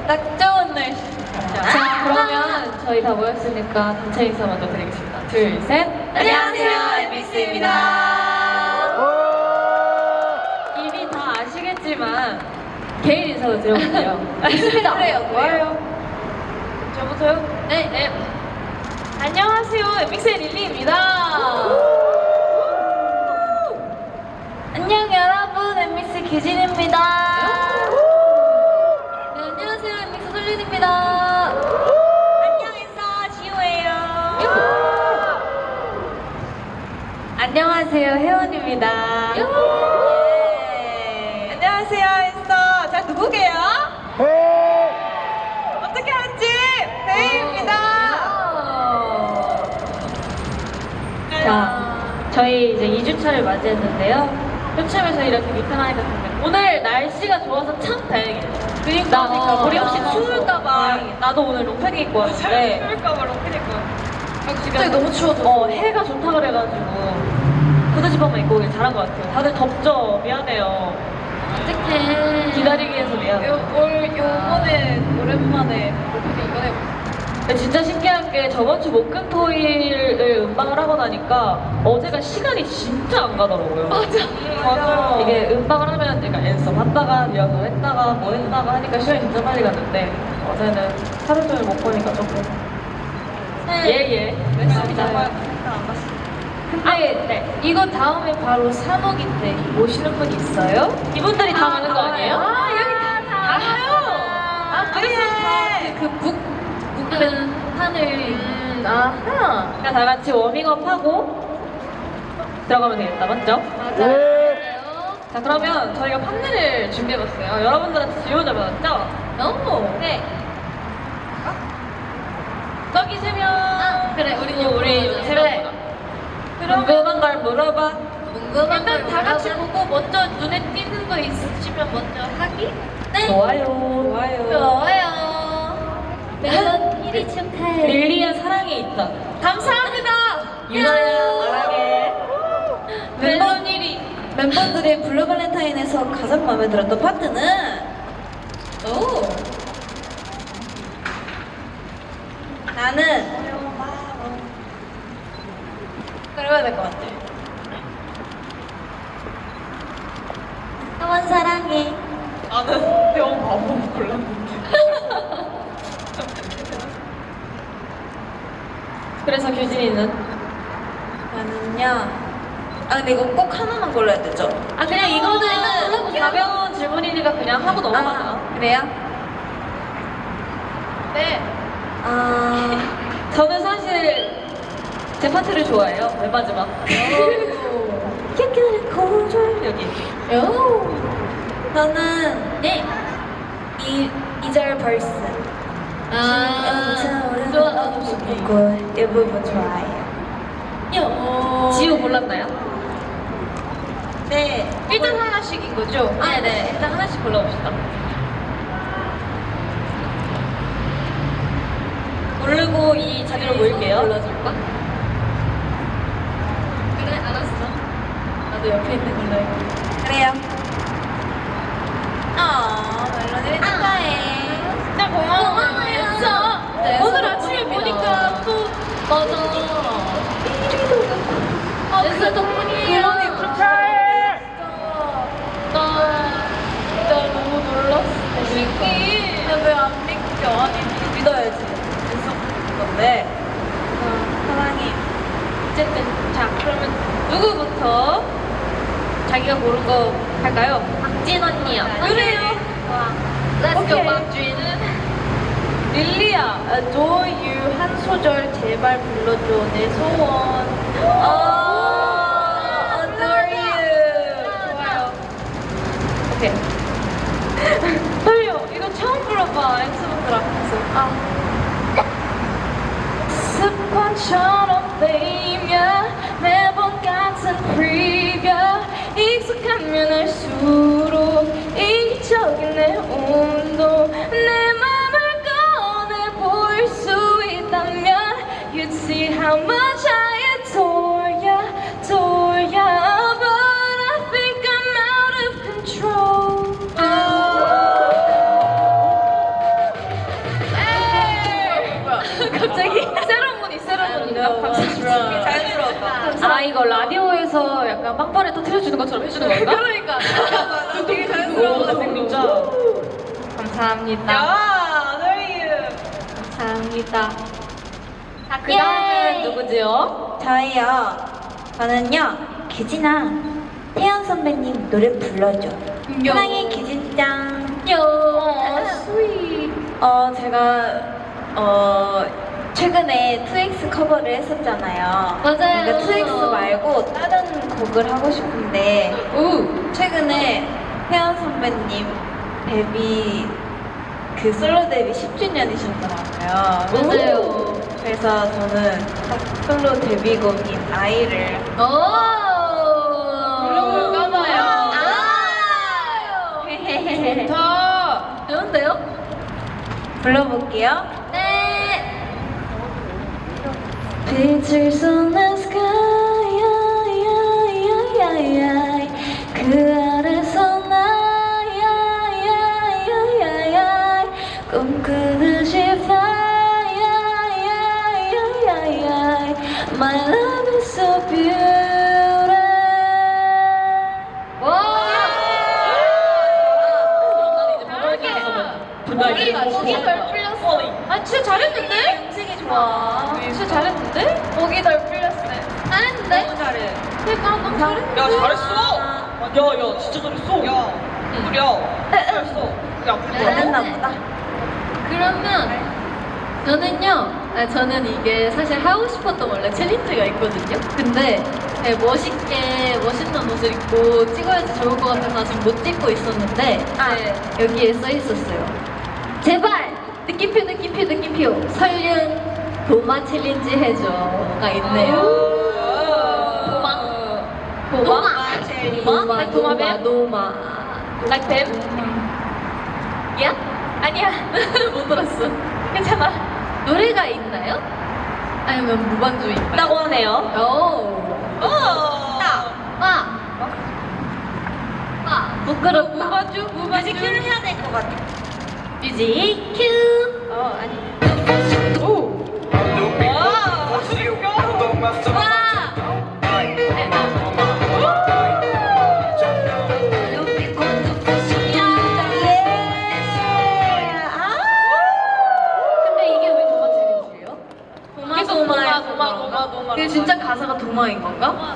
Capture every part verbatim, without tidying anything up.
딱 좋은 날씨. 자, 그러면 저희 다 모였으니까 단체 인사 먼저 드리겠습니다. 둘, 셋. 안녕하세요, 엠비씨입니다. 이미 다 아시겠지만 개인 인사도 드려볼게요. 좋습니다. 그래요, 좋아요. 저부터요? 네. 네. 안녕하세요, 엠비씨의 릴리입니다. 안녕 여러분, 엠비씨 기진입니다. 네, 안녕하세요, 엠비씨 솔린입니다. 안녕 인사 지호예요. 안녕하세요, 혜원입니다. 예. 안녕하세요, 인사. 자, 누구게요? 어떻게 알았지? 혜인입니다. 자, 저희 이제 이 주차를 맞이했는데요. 요즘에서 이렇게 미팅하니까 좋네요. 오늘 날씨가 좋아서 참 다행이에요. 그니까, 나, 그니까, 우리 맞아. 혹시 추울까봐 나도 오늘 롱팬 입고 왔는데 추울까봐 롱팬 입고 갑자기 너무 추워졌어. 어, 해가 좋다 그래가지고 후드집업만 입고 오길 잘한 것 같아요. 다들 덥죠? 미안해요. 어떡해. 기다리기 위해서 미안해요. 요, 올, 요번에 오랜만에 롱팬 이번에 근데 진짜 신기한 게 저번 주 목금토일을 음방을 하고 나니까 어제가 시간이 진짜 안 가더라고요. 맞아. 맞아. 이게 음방을 하면 그러니까 연습 했다가 리허설 했다가 뭐 했다가 하니까 시간이 진짜 빨리 갔는데 어제는 하루 종일 못 보니까 조금 예예 그랬습니다. 근데 네. 이거 다음에 바로 삼 억인데 모시는 분 있어요? 이분들이 다 가는 거 아니에요? 아, 여기 다 알아요. 아, 그래서 그북 북은 판을 음, 아하. 그냥 다 같이 워밍업하고 들어가면 되겠다, 맞죠? 맞아요. 자, 그러면 저희가 판넬을 준비해봤어요. 여러분들한테 지원자 받았죠? 너무. 네. 저기 세 명. 아, 그래, 우리 그리고 우리 요거 세 그래. 명. 궁금한 걸 물어봐. 궁금한 걸 일단 다 같이 물어봐. 보고 먼저 눈에 띄는 거 있으시면 먼저 하기? 네. 좋아요. 좋아요. 좋아요. 매번 일 위 축하해. 릴리야 사랑에 있다. 감사합니다. 유나야 사랑해. 매번 일 위. 멤버들이 블루 발렌타인에서 가장 마음에 들었던 파트는 오. 나는 그래야 될 것 같아. 하원 사랑해. 나는 대원 바보 골랐는데. 그래서 규진이는? 나는요. 아 근데 이거 꼭 하나만 골라야 되죠? 아 그냥 이거는 일단 골라볼게요. 가벼운 질문이니까 그냥 하고 넘어가자. 아, 그래요? 네. 아. 저는 사실 제 파트를 좋아해요. 맨 마지막. 깨끗한 고절. 여기. 요. 저는 네. 이 이절 벌스. 아, 좋아. 이 부분 좋아해요. 요. 지우 골랐나요? 네. 일단 하나씩인 거죠? 아, 네. 일단 하나씩 골라봅시다. 고르고 이 자리로 모일게요. 골라줄까? 그래, 알았어. 나도 옆에 있는 골라야겠다. 그래요. 아, 멜로디를 축하해. 진짜 고마워요. 고마워요. 진짜. 네, 오늘 서로 아침에 덕분이다. 보니까 또 맞아. 아, 진짜 덕분이에요. 멜로디 축하해. 나 진짜 너무 놀랐어. 신기. 왜안 믿겨? 아니, 믿어야지. 있었던 건데. 어, 사랑해. 어쨌든 자 그러면 누구부터 자기가 고른 거 할까요? 박진 언니요. 그래요. 와. Let's go, 박주인은 릴리야, Adore You 한 소절 제발 불러줘 내 소원. 아, Adore You. 좋아요. 오케이. 떨려. 이거 처음 불러봐. 엑스부터 앞에서. 아. 습관처럼 베이며 매번 같은 프리뷰 익숙하면 할수록 이기적인 내 온도 내 맘을 꺼내 보일 수 있다면 You'd see how much I adore ya, adore ya But I think I'm out of control 해주는 건가? 그러니까. 잠깐만. 되게 자연스러운 것 같은 진짜. 감사합니다. 야, 너희. 감사합니다. 자, 그 다음은 누구지요? 저희요. 저는요. 규진아. 태연 선배님 노래 불러줘. 사랑해 규진짱. 요. 스윗. 어 제가 어 최근에 투엑스 커버를 했었잖아요. 맞아요. 그러니까 투엑스 말고 다른 곡을 하고 싶은데 우. 최근에 태연 선배님 데뷔 그 솔로 데뷔 십 주년이셨더라고요. 맞아요. 그래서 저는 딱 솔로 데뷔곡인 아이를 오. 불러볼까 봐요. 아. 좋다. 좋은데요? 불러볼게요. 네. 빛을 쏟는 sky 그 아래서 나야 꿈꾸듯이 fly My love is so beautiful. 와. 거기가 거기 덜 풀렸어. 아 진짜 잘했는데? 음색이 좋아. 진짜 잘했는데? 거기 덜 풀렸어. 잘했는데? 너무 잘해. 그러니까 너무 잘했는데? 야 잘했어. 야 야 진짜 잘했어. 야 그래. 잘했어. 야 그래. 잘했나 보다. 그러면 저는요, 아, 저는 이게 사실 하고 싶었던 원래 챌린지가 있거든요. 근데 네, 멋있게 멋있는 옷을 입고 찍어야지 좋을 것 같아서 지금 못 찍고 있었는데 아. 네, 여기에 써 있었어요. 제발 느낌표 느낌표 느낌표 설륜 도마 챌린지 해줘가 있네요. 도마 도마 도마 챌린지. 도마 like 도마뱀 도마 like 뱀 야 아니야 못 들었어. 괜찮아. 노래가 있나요? 아니면 무반주인가요? 있다고 하네요. 오. 어. 아. 아. 부끄럽다. 무반주? 무반주? 뮤직큐를 해야 될 것 같아. 뮤직 큐. 어 아니. 오. 와. 근데 이게 왜 도마 챌린지예요? 도마 도마 도마 도마 도마. 이게 진짜 가사가 도마인 건가?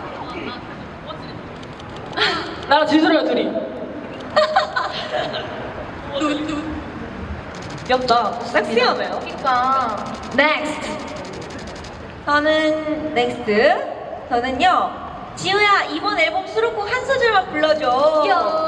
나랑 지수랑 둘이. 귀엽다. 섹시하네요. 그러니까. Next. 저는 넥스트. 저는요. 지우야 이번 앨범 수록곡 한 소절만 불러줘. 요.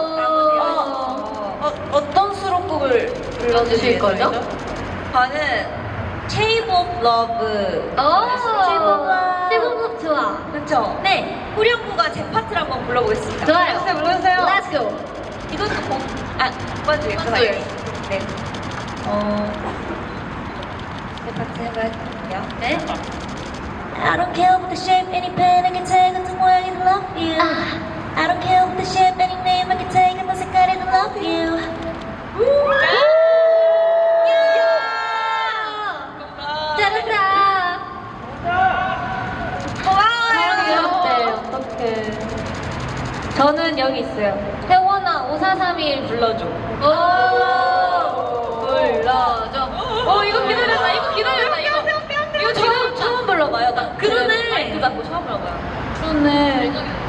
어, 어, 어떤 수록곡을 불러주실 거죠? 저는 Shape of Love. 오. Shape of Love. 시범급 좋아. 그렇죠? 네. 후렴구가 제 파트를 한번 불러보겠습니다. 좋아요. 불러주세요, 불러주세요. Let's go. 이것도 공, 아, 맞지? 맞아요. 네. 어, 제 파트 해볼게요. 네. I don't care what the shape, any pen I can take 같은 모양이든 love you. 아. I don't care what the shape, any name I can take 어떤 색깔이든 love you. 잘한다. 고마워요. 어떡해. 저는 여기 있어요. 태원아 오사삼일 불러줘. 오. 불러줘. 어 이거 기다렸다. 이거 기다렸다. 이거. 이거 처음 처음 불러봐요. 나 그러네. 마이크 잡고 처음 불러봐요. 그러네.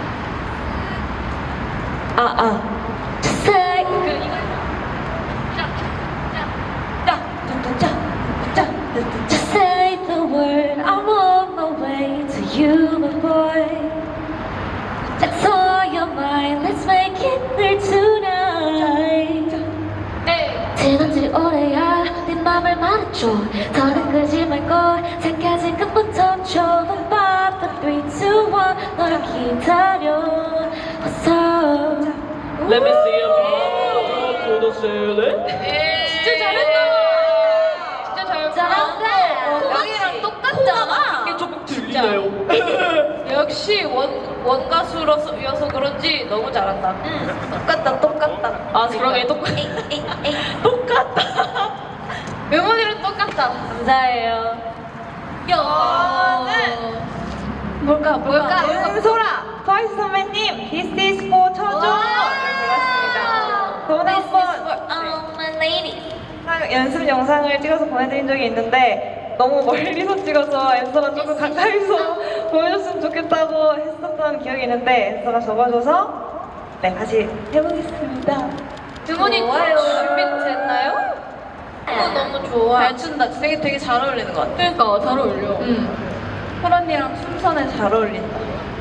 아, 아. Say. 그 이거. 자, 자, 짜, 짜, 짜, 짜, 짜. Just say the word. I'm on my way to you, my boy. That's all your mind. Let's make it there tonight. 에이. 지난지 오래야 네 맘을 말해줘. 더는 끄지 말고 잠깐 지금부터 줘. five, four, three, two, one. 널 기다려. 어서. Let me see you to the ceiling. 진짜 잘했다. 진짜 잘했다. 잘한다. 여기랑 똑같잖아. 이게 조금 들리네요. 역시 원, 원가수여서 그런지 너무 잘한다. 응, 똑같다, 똑같다. 아 그러게 똑같. 에이, 에이, 에이. 똑같다. 메모리랑 똑같다. 감사해요. 야. 뭘까, 뭘까? 은소라 트와이스 선배님 This is for 처조를 골랐습니다. 돈 한번 all my ladies. 연습 영상을 찍어서 보내드린 적이 있는데 너무 멀리서 찍어서 앤서가 조금 가까이서 보여줬으면 좋겠다고 했었던 기억이 있는데 앤서가 적어줘서 네 다시 해보겠습니다. 두 분이 좋아요. 준비됐나요? 어, 너무 좋아. 잘 춘다. 되게 되게 잘 어울리는 것 같아. 그러니까 잘 어울려. 응. 홀 언니랑 춤선에 잘 어울린다.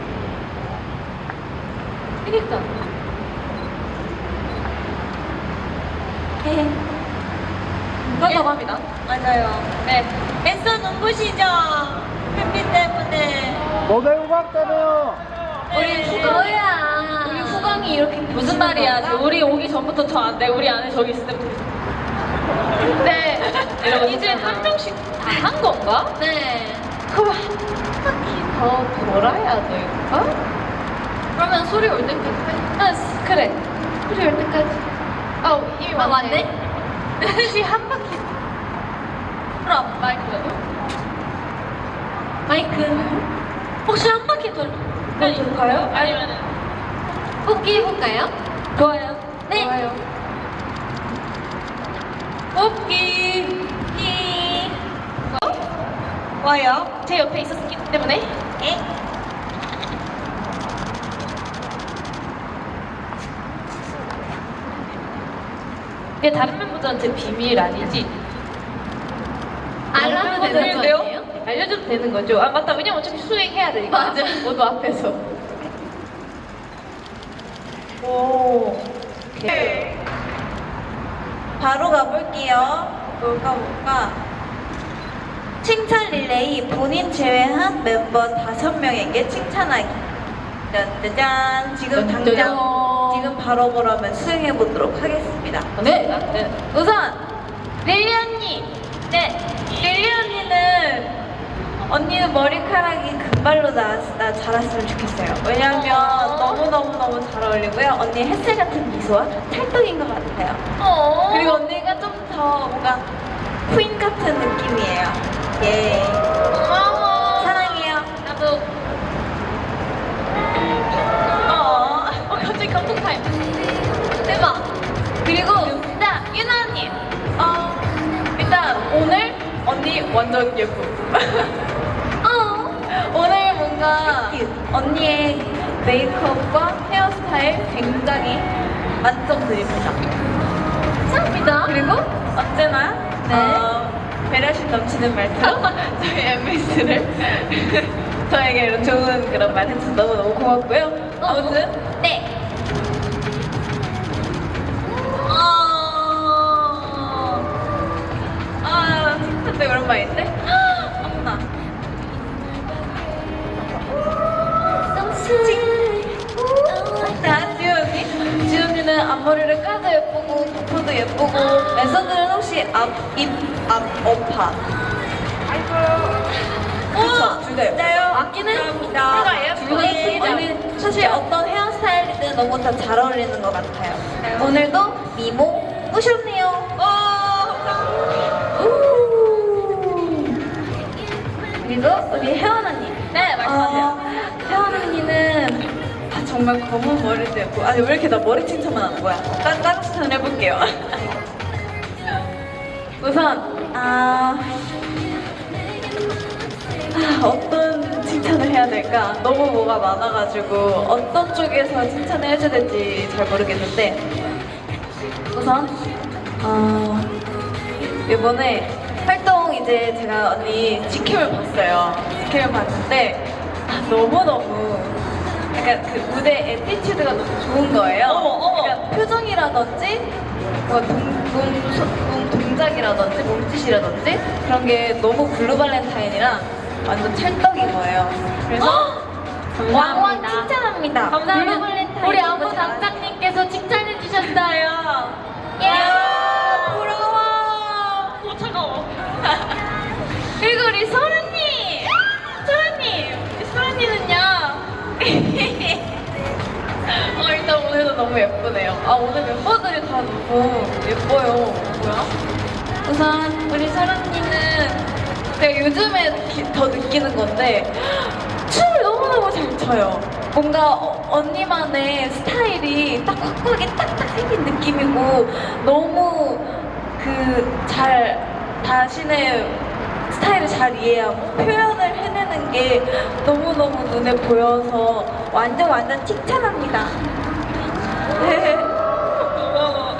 그니까. 그렇다고 합니다. 맞아요. 네. 앤서 눈부시죠? 햇빛 때문에. 모델 음악 때문에요. 우리 후광이야. 우리 후광이 이렇게 무슨 말이야? 우리 오기 전부터 저 안 돼. 우리 안에 저기 있을 때부터. 근데 이제 한 명씩 다 한 건가? 네. 그럼 한 바퀴 더 돌아야 될까? 그러면 소리 올 때까지. 아, 그래. 소리 올 때까지. 아, 이미 아, 왔네. 혹시 한 바퀴. 그럼 마이크라도? 마이크. 혹시 한 바퀴 돌? 돌까요? 아니면은 뽑기 해볼까요? 좋아요. 네. 좋아요. 뽑기. 기. 어? 와요. 제 옆에 있었기 때문에. 에? 이게 다른 멤버들한테 비밀 아니지? 알려도 되는 거 되는데요? 아니에요? 알려줘도 되는 거죠? 아 맞다. 왜냐면 어차피 수행해야 되니까. 맞아. 모두 앞에서. 오. 오케이. 바로 가볼게요. 뭘까 뭘까? 칭찬 릴레이 본인 제외한 멤버 다섯 명에게 칭찬하기. 짠짜잔. 지금 당장 짜잔. 지금 바로 그러면 수행해 보도록 하겠습니다. 네. 네. 우선 릴리 언니. 네. 릴리 언니는 언니는 머리카락이 금발로 나, 나 자랐으면 좋겠어요. 왜냐면 어. 너무너무너무 잘 어울리고요. 언니 햇살 같은 미소와 찰떡인 것 같아요. 어. 그리고 언니가 좀 더 뭔가 퀸 같은 느낌이에요. 예. 고마워. 사랑해요. 나도. 어. 어 갑자기 감동 타임. 대박. 그리고 일단 유나 언니. 어. 일단 오늘 언니 완전 예쁨. 어. 오늘 뭔가 언니의 메이크업과 헤어스타일 굉장히 만점 드립니다. 감사합니다. 그리고 언제나 네. 어, 배려심 넘치는 말투로 저희 엠비씨를 저에게 좋은 그런 말 해줘서 너무너무 고맙고요. 아무튼 네. 어... 아 진짜 되게 오랜만인데? 어머나. 자, 지우 언니. 지우 언니는 앞머리를 까도 예쁘고, 퍼프도 예쁘고, 랜선들은 혹시 앞, 입, 앞, 어파. 그쵸, 둘 다 예뻐요. 맞기는 감사합니다. 예뻐요. 둘다 예쁘죠. 언니, 사실 어떤 헤어스타일이든 너무 다 잘 어울리는 것 같아요. 오늘도 미모 꾸셨네요. 그리고 우리 혜원 언니. 네, 말씀하세요. 어, 혜원 언니는 아, 정말 검은 머리도 예쁘고 아니 왜 이렇게 나 머리 칭찬만 하는 거야? 따, 따로 칭찬을 해볼게요. 우선 아, 아 어떤 칭찬을 해야 될까? 너무 뭐가 많아가지고 어떤 쪽에서 칭찬을 해줘야 될지 잘 모르겠는데 우선 어, 이번에 활동 이제 제가 언니 지킴을 봤어요. 지킴을 봤는데 아, 너무너무 약간 그 무대 애티튜드가 너무 좋은 거예요. 어머, 어머. 그러니까 표정이라든지 뭐 동, 몸, 소- 몸 동작이라든지 몸짓이라든지 그런 게 너무 블루 발렌타인이랑 완전 찰떡인 거예요. 그래서 왕왕 칭찬합니다. 블루 발렌타인 감사합니다. 우리 안무 너무 잘- 담당님께서 칭찬해 주셨어요. 야 부러워. 어, 차가워. 그리고 우리 소라님! 소라님! 우리 소라님은요? 어, 일단 오늘도 너무 예쁘네요. 아, 오늘 멤버들이 다 너무 예뻐요. 뭐야? 우선, 우리 소라님은 제가 요즘에 기- 더 느끼는 건데, 춤을 너무 너무너무 잘 춰요. 뭔가 어, 언니만의 스타일이 딱 확고하게 딱딱 생긴 느낌이고 너무 그 잘 자신의 스타일을 잘 이해하고 표현을 해내는 게 너무너무 눈에 보여서 완전 완전 칭찬합니다. 네. 고마워.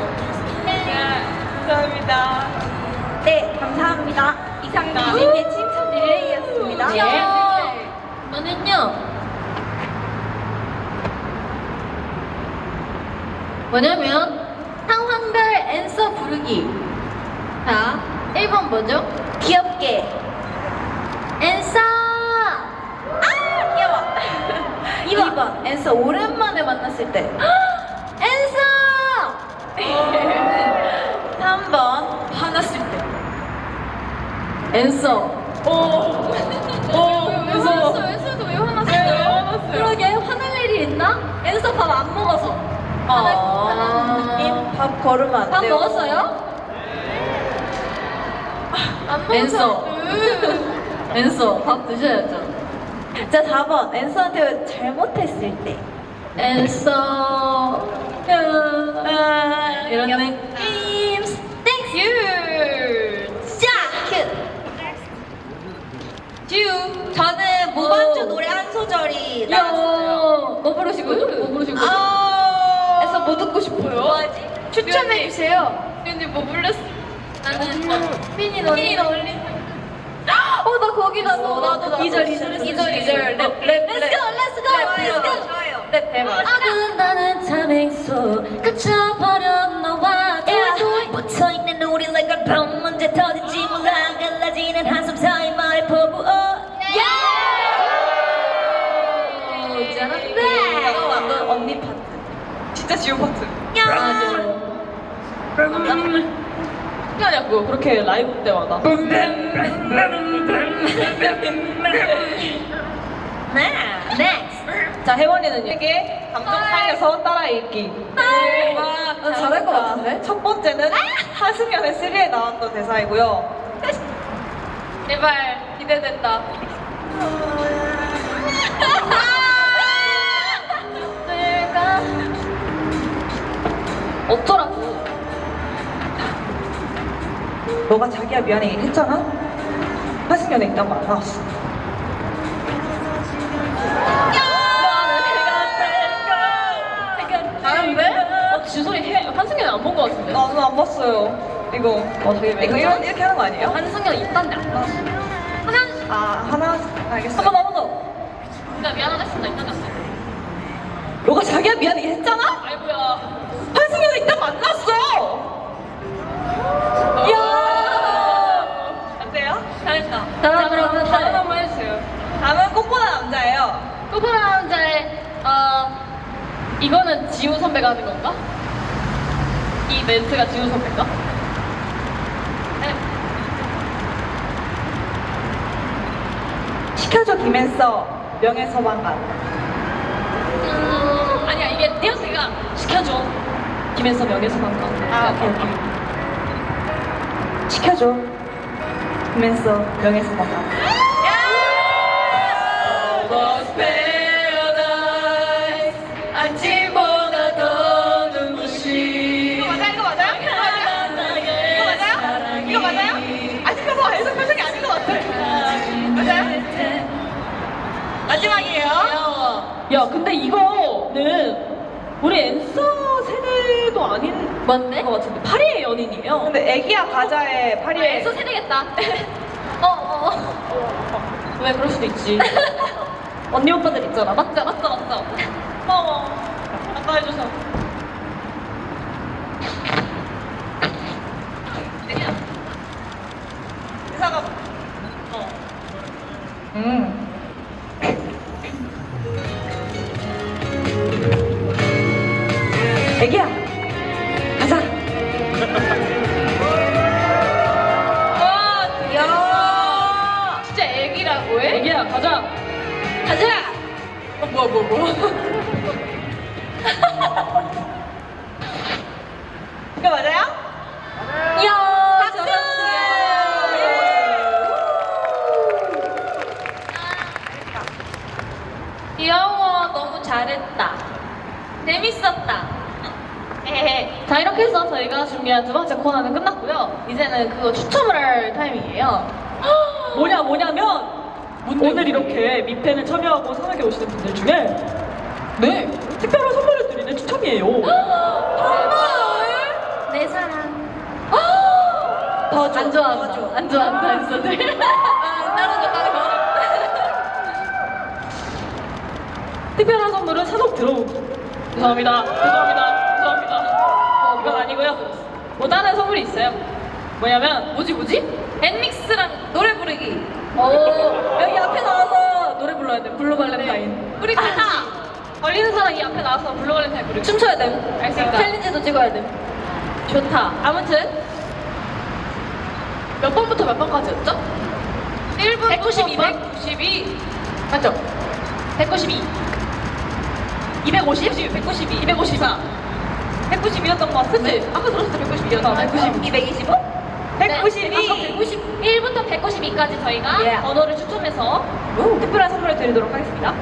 감사합니다. 네, 감사합니다. 이상 유진의 칭찬 릴레이였습니다. 예. 저는요. 뭐냐면 상황별 앤서 부르기. 자, 일 번 뭐죠? 귀엽게. 앤서. 아, 귀여워. 이 번 앤서 오랜만에 만났을 때. 앤서. 삼 번 화났을 때. 앤서. 오. 오. 왜 화났어? 앤서도 왜 화났어요? 그러게 화날 일이 있나? 앤서 밥 안 먹어서. 어. 느낌? 밥 걸으면 안 밥 돼요. 먹었어요? 안 앤서. 앤서 밥 드셔야죠. 자, 사 번 앤서한테 잘못했을 때. 앤서. 아, 이런 귀엽다. 느낌. Thank you. 자, 듀. 저는 무반주 노래 한 소절이 야, 나왔어요. 뭐 부르신 거죠? 뭐 부르신 거죠? 아, 그래서 뭐 듣고 싶어요? 뭐하지? 추천해 주세요. 삐니 뭐 불렀어? 나는 삐니 너니 어, 나 거기 나도 나도 나도. 이절, 이절, 이절 이절 랩 랩. Let's go, let's go, let's go. 좋아요. 랩 해봐. 아른다는 타밍소 그쳐버려 너와 붙어있는 우리 like a bomb 언제 터질지 몰라 갈라지는 한숨 사이 말을 퍼부어 잘한다. 이거 완전 언니 파트. 진짜 지우 파트. 맞아. 신기하냐고 그렇게 라이브 때마다. Next 자, 혜원이는 이게 감정 살려서 따라 읽기. 나 잘할 것 같은데? 첫 번째는 하승연의 쓰리에 나왔던 대사이고요. 제발 기대된다. 어쩌라고. 너가 자기야 미안해 했잖아? 하승연에 있단 말 안 나왔어. 잘하는데? 어, 지소리 해. 한승연 안 본 거 같은데? 나는 안 봤어요. 이거. 어, 되게 이거 이런, 이렇게 하는 거 아니에요? 한승연 있단데 안 나왔어. 하나. 아, 하나, 알겠어요. 한 번, 한 번 더. 나 미안하다 했습니다. 있단데 안 나왔어. 너가 자기야 미안해 했잖아? 아이고야. 한승연에 있단 만났어! 야. 안 돼요? 잘했다. 자, 그러면 다음 한번 해주세요. 다음은 꽃보다 남자예요. 꼬부라 남자의 어 이거는 지우 선배가 하는 건가? 이 멘트가 지우 선배인가? 네. 시켜줘 김앤서 명예서방관. 음, 아니야 이게 띄어쓰기가 시켜줘. 김현서 명예서방관. 아, 오케이, 오케이. 시켜줘 김앤서 명예서방관. 아침보다 더 눈부시. 이거 맞아요? 이거 맞아요? 이거 맞아요? 이거 맞아요? 아직도 해석 표정이 아닌 것 같아. 맞아요? 마지막이에요. 야, 근데 이거는 우리 앤서 세대도 아닌 뭔데? 것 같은데 파리의 연인이에요. 근데 애기야 가자의 파리의 앤서 세대겠다. 어, 어, 어. 왜 그럴 수도 있지. 언니 오빠들 있잖아. 맞자, 맞자, 맞자. 고마워. 아까 해줘서. 애기야. 의사가. 어. 음. 애기야. 가자. 와, 야. 진짜 애기라고 해? 애기야, 가자. 가자. 어, 뭐야, 뭐야, 뭐야. 이거 맞아요? 야, 박수! 잘했어. 자, 이렇게 해서 저희가 준비한 두 번째 코너는 끝났고요. 이제는 그거 추첨을 할 타이밍이에요. 뭐냐 뭐냐면 오늘 이렇게 미팬에 참여하고 산악에 오시는 분들 중에 네 특별한 선물을 드리는 추첨이에요. 내 사랑. 더 줘. 안 좋아한다. 더 줘. 안 좋아한다, 인서들. 따로 줘, 따로 줘. 특별한 선물은 산옥 들어오. 죄송합니다. 죄송합니다. 죄송합니다. 이건 아니고요. 뭐 다른 선물이 있어요. 뭐냐면 뭐지 뭐지? 앤믹스랑 노래 부르기. 어. 여기 앞에 나와서 노래 불러야 돼. 블루 발렌타인. 우리 같이. 걸리는 사람 이 앞에 나와서 블루 발렌타인 부르기. 춤춰야 돼. 알겠습니다. 챌린지도 찍어야 돼. 좋다. 아무튼 몇 번부터 몇 번까지였죠? 일 분 백구십이, 백구십이. 맞죠? 백구십이. 이백오십? 백구십이. 이백오십사. 백구십이였던 것 같은데. 아까 들었을 때 백구십이였나? 백구십이. 이백이십오? 백구십이. 백구십일부터 백구십이까지 저희가 예. 번호를 추첨해서 특별한 선물을 드리도록 하겠습니다.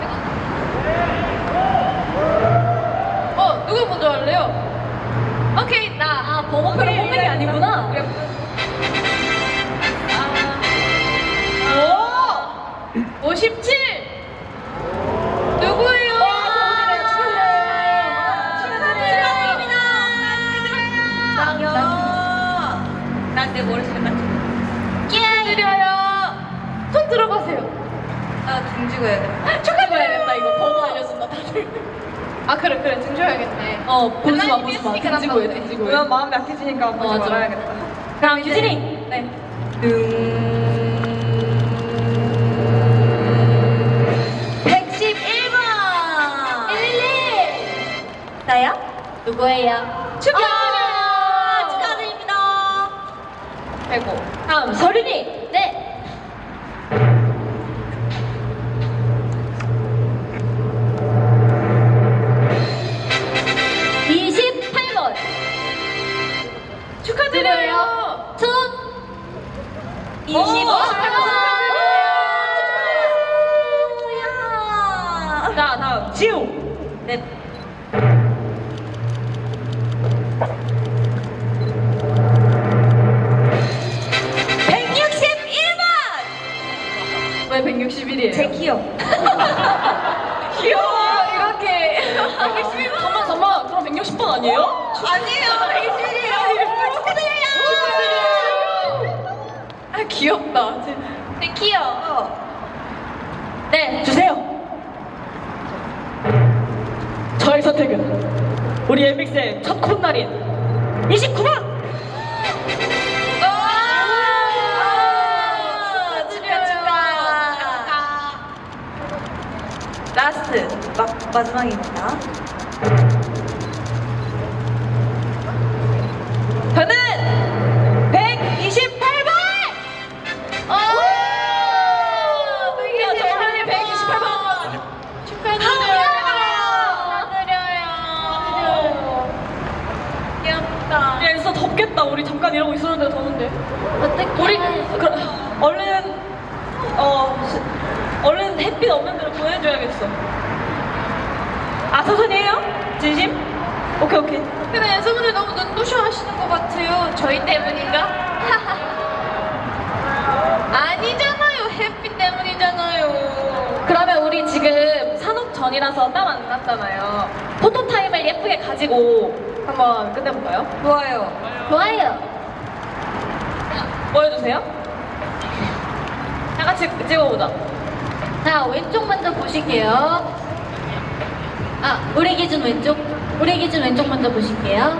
어 누구 먼저 할래요? 오케이 나. 아, 번호 그럼 본명이 아니구나. 오! 오십칠! 누구예요? 난내 머릿속에 맞춰. 축하드려요! 손 들어보세요. 나등 찍어야 돼. 축하드려야겠다 이거 번호 알려준다 다들. 아 그래 그래 등 줘야겠네. 어, 보지 마, 온라인 보지 마. 뮤직이랑 등지고 해, 같이. 등지고 해. 그냥 마음이 약해지니까 보지 맞아. 말아야겠다. 그럼 규진이. 네. 백십일 번. 일일일. 나야? 누구예요? 축하드려요. 축하드립니다. 아이고. 다음 서린이. 네. 이십팔 번. 축하드려요. 툰. 이십오. 축하드려요. 자 다음 지우. 네. 백육십일 번. 왜 백육십일이에요? 제 키요. 귀여워. 이렇게. 백십일 번. 잠만 잠만. 그럼 백육십 번 아니에요? 아니에요. 백육십일이에요. 축하드려요. 아 귀엽다. 제 키요. 네. 주세요. 저의 선택은 우리 엠믹스의 첫 콧날인 이십구 번. 축하 축하. 라스트 막 마지막입니다. 저는 백이십팔 번. 어. 야, 저 하늘 백이십팔 번. 축하드려요. 귀엽다. 야, 진짜 덥겠다. 우리 잠깐 이러고 있었는데 더운데. 어떻게? 우리 그, 얼른 어 시- 얼른 햇빛 없는 데로 보내줘야겠어. 아 천천히 해요? 진심? 오케이 오케이. 근데 연수분들 너무 눈부셔 하시는 것 같아요. 저희 때문인가? 아니잖아요. 햇빛 때문이잖아요. 그러면 우리 지금 산업 전이라서 땀 안 났잖아요. 포토 타임을 예쁘게 가지고 한번 끝내볼까요? 좋아요. 좋아요. 뭐 해주세요? 다 같이 찍어보자. 자, 왼쪽 먼저 보실게요. 아, 우리 기준 왼쪽. 우리 기준 왼쪽 먼저 보실게요.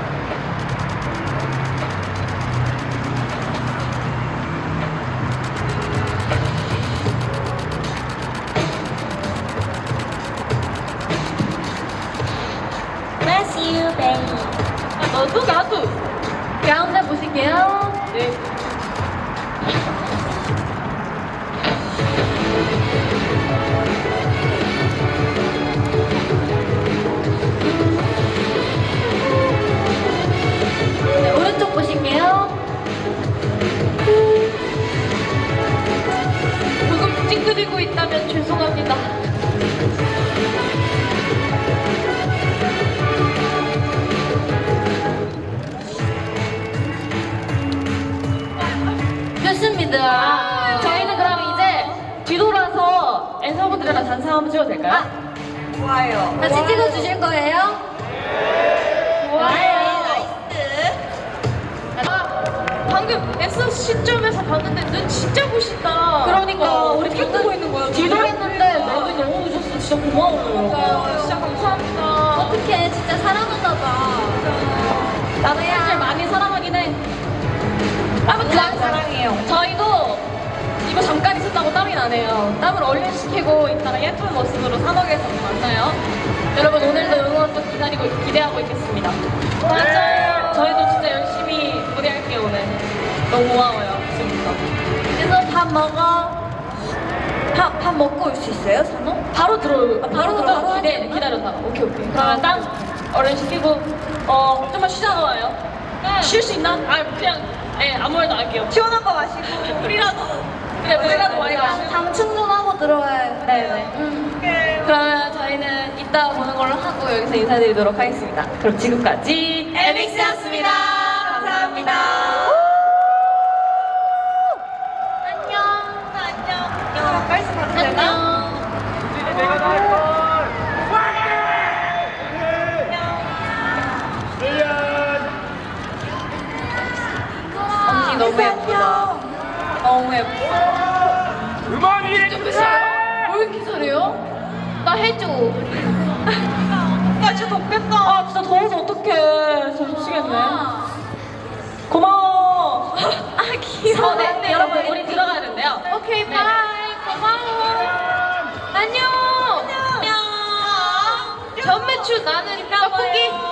Bless you, baby. 아, 너도 나도. 가운데 보실게요. 네. 네, 오른쪽 보실게요. 조금 찡그리고 있다면 죄송합니다. 단상 한번 찍어도 될까요? 아, 좋아요. 같이 찍어주실 거예요? 좋아요. 방금 S 시점에서 봤는데 눈 진짜 부신다. 그러니까 우리 탁 보고 있는 거야. 뒤돌았는데 너무 너무 부셨어. 진짜 고마워요. 진짜 감사합니다. 어떡해, 진짜 사랑하나 봐. 나도 사실 많이 사랑하긴 해. 아무튼 사랑해요. 저희도 이거 잠깐 있었다고 땀이 나네요. 땀을 얼린시키고 이따가 예쁜 모습으로 산옥에서 만나요. 여러분 오늘도 응원 또 기다리고 기대하고 있겠습니다. 맞아요. 저희도 진짜 열심히 무대할게요 오늘. 너무 고마워요 지금부터. 그래서 밥 먹어. 밥, 밥 먹고 올 수 있어요, 산호? 바로 들어. 바로 들어, 바로 기대 기다렸다. 오케이 오케이. 그러면 땀 얼린시키고 어 좀만 쉬다가 와요. 쉴 수 있나? 아 그냥 예 아무 말도 안 할게요. 시원한 거 마시고. 물이라도 그래 물이라도 많이 마시고. 당 충전하고 들어와요. 네네. 그러면 저희는 이따 보는 걸로 하고 여기서 인사드리도록 하겠습니다. 그럼 지금까지 에믹스였습니다. 감사합니다. 안녕. 안녕. 빨리 가도 되나? 안녕. 내가 나할 걸. 언니 너무 예쁘다. 너무 예뻐. 음악이 왜 이렇게 잘해요? 나 해줘. 야 진짜 덥겠다. 아 진짜 더워서 어떡해. 진짜 미치겠네. 고마워. 아, 귀여워. 어, 네, 네, 여러분 우리 들어가야 된대요. 오케이, 네. 바이. 고마워. 안녕. 안녕. 전매출 나는 떡볶이.